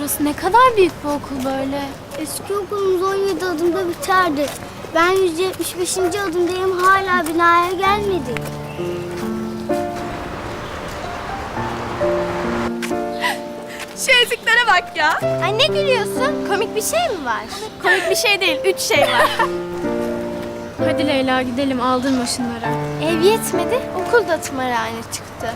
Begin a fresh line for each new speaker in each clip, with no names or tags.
burası ne kadar büyük bir okul böyle.
Eski okulumuz 17 adımda biterdi. Ben 175. adımdayım, hala binaya gelmedik.
Şu eziklere bak ya.
Ay ne gülüyorsun? Komik bir şey mi var?
Komik bir şey değil, 3 şey var. Hadi Leyla gidelim, aldırma şunlara.
Ev yetmedi, okul da tımarhane çıktı.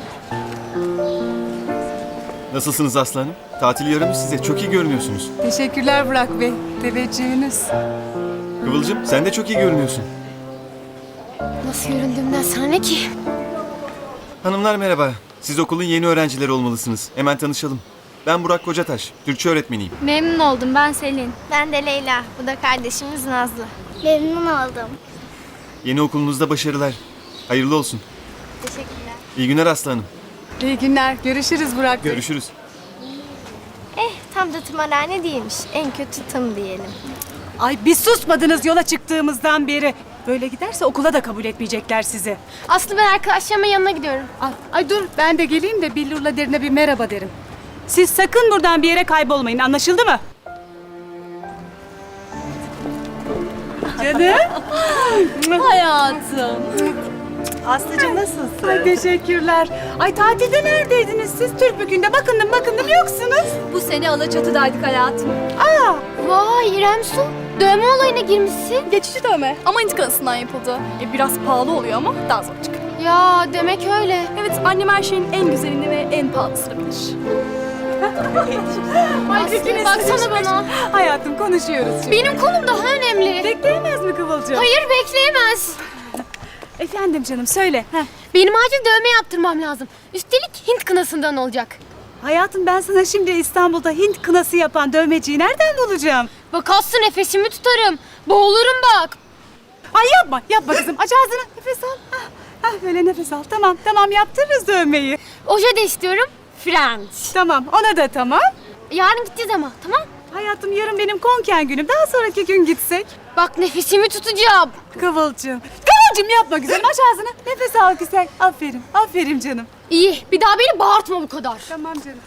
Nasılsınız aslanım? Tatil yaramış size. Çok iyi görünüyorsunuz.
Teşekkürler Burak Bey. Teveccühünüz.
Kıvılcım sen de çok iyi görünüyorsun.
Nasıl göründüğümden sana ne ki?
Hanımlar merhaba. Siz okulun yeni öğrencileri olmalısınız. Hemen tanışalım. Ben Burak Kocataş. Türkçe öğretmeniyim.
Memnun oldum, ben Selin.
Ben de Leyla, bu da kardeşimiz Nazlı. Memnun oldum.
Yeni okulunuzda başarılar. Hayırlı olsun.
Teşekkürler.
İyi günler aslanım.
İyi günler. Görüşürüz Burak Bey.
Görüşürüz.
Tam da tımarhane değilmiş, en kötü tım diyelim.
Ay biz susmadınız yola çıktığımızdan beri. Böyle giderse okula da kabul etmeyecekler sizi.
Aslı, ben arkadaşlarımın yanına gidiyorum.
Ay dur ben de geleyim de billurla derine bir merhaba derim. Siz sakın buradan bir yere kaybolmayın, anlaşıldı mı? Canım.
Hayatım.
Aslıcığım nasılsın? Ay teşekkürler. Ay tatilde neredeydiniz siz? Türkbükü'nde bakındım yoksunuz.
Bu sene Alaçatı'daydık hayatım.
Aa,
Vay İrem Su, dövme olayına girmişsin.
Geçici dövme ama intikalısından yapıldı. Biraz pahalı oluyor ama daha zor çıkıyor.
Ya demek öyle.
Evet, annem her şeyin en güzelini ve en pahalısını bilir.
Aslı baksana bana.
hayatım konuşuyoruz şimdi.
Benim konum daha önemli.
Bekleyemez mi Kıvılcım?
Hayır, bekleyemez.
Efendim canım söyle. Heh.
Benim acil dövme yaptırmam lazım. Üstelik Hint kınasından olacak.
Hayatım ben sana şimdi İstanbul'da Hint kınası yapan dövmeciyi nereden bulacağım?
Bak Aslı, nefesimi tutarım. Boğulurum bak.
Ay yapma kızım. Aç ağzını, nefes al. Böyle nefes al. Tamam yaptırırız dövmeyi.
Oje de istiyorum. French.
Tamam, ona da tamam.
Yarın gideceğiz ama, tamam?
Hayatım yarın benim konken günüm. Daha sonraki gün gitsek.
Bak nefesimi tutacağım.
Kıvılcım yapma güzelim. Aç ağzını. Nefes al güzel. Aferin canım.
İyi, bir daha beni bağırtma bu kadar.
Tamam canım.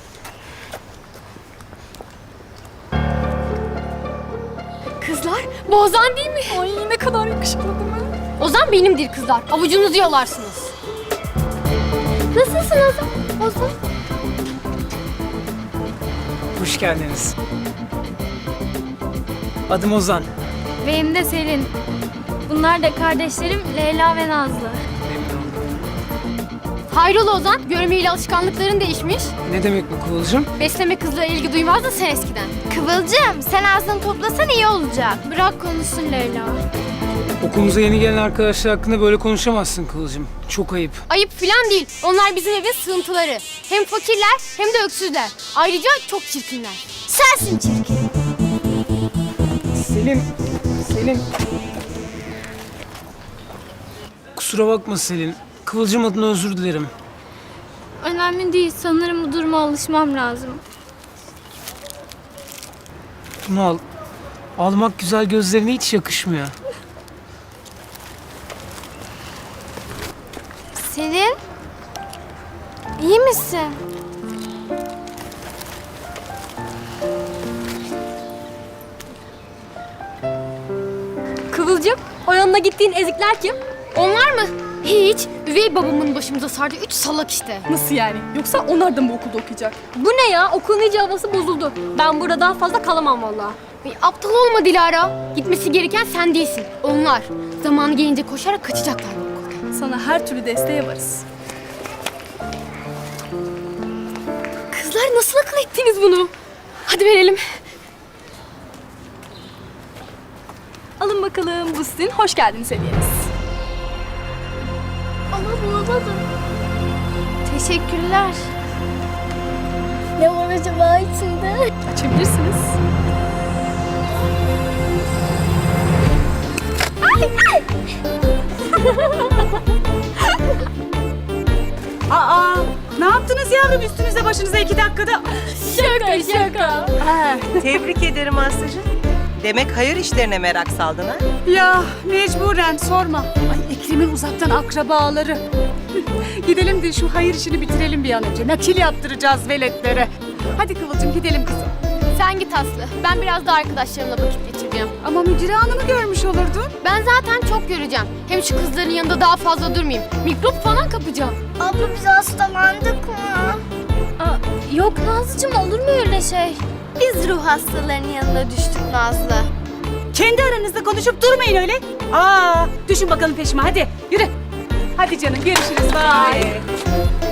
Kızlar, bu Ozan değil mi?
Ay ne kadar yakışıklı değil mi?
Ozan benimdir kızlar. Avucunuzu yalarsınız. Nasılsın Ozan? Ozan.
Hoş geldiniz. Adım Ozan.
Benim de Selin. Bunlar da kardeşlerim Leyla ve Nazlı.
Memnun oldum.
Hayrola Ozan, görmeyle alışkanlıkların değişmiş.
Ne demek bu Kıvılcım?
Besleme kızlara ilgi duymazdın sen eskiden.
Kıvılcım, sen ağzını toplasan iyi olacak.
Bırak konuşsun Leyla.
Okulumuza yeni gelen arkadaşlar hakkında böyle konuşamazsın Kıvılcım. Çok ayıp.
Ayıp filan değil. Onlar bizim evin sığıntıları. Hem fakirler hem de öksüzler. Ayrıca çok çirkinler.
Sensin çirkin.
Selin. Kusura bakma Selin. Kıvılcım adına özür dilerim.
Önemli değil. Sanırım bu duruma alışmam lazım.
Bunu al. Almak güzel gözlerine hiç yakışmıyor.
Selin, iyi misin?
Kıvılcım, o yanına gittiğin ezikler kim? Onlar mı? Hiç. Üvey babamın başımıza sardı. 3 salak işte.
Nasıl yani? Yoksa onlar da mı okulda okuyacak?
Bu ne ya? Okulun iyice havası bozuldu. Ben burada daha fazla kalamam vallahi. Aptal olma Dilara. Gitmesi gereken sen değilsin. Onlar. Zamanı gelince koşarak kaçacaklar bu okuldan.
Sana her türlü desteğe varız.
Kızlar nasıl akıl ettiniz bunu? Hadi verelim.
Alın bakalım, bu sizin hoş geldiniz hediyeniz.
Ama bulamadım. Teşekkürler. Ne var acaba içinde?
Açabilirsiniz.
Aa, ne yaptınız yavrum üstünüze başınıza 2 dakikada?
Şaka.
Tebrik ederim Aslı'cığım. Demek hayır işlerine merak saldın ha?
Ya mecburen sorma. Ay Ekrem'in uzaktan akrabaları. Gidelim de şu hayır işini bitirelim bir an önce. Nakil yaptıracağız veletlere. Hadi Kıvılcım gidelim kızım.
Sen git Aslı. Ben biraz da arkadaşlarımla vakit geçireceğim.
Ama Müdüre Hanım'ı görmüş olurdun.
Ben zaten çok göreceğim. Hem şu kızların yanında daha fazla durmayayım. Mikrop falan kapacağım.
Abla biz hastalandık mı?
Yok Nazlıcığım, olur mu öyle şey?
Biz ruh hastalarının yanına düştük Nazlı.
Kendi aranızda konuşup durmayın öyle. Düşün bakalım peşime hadi yürü. Hadi canım görüşürüz. Bye.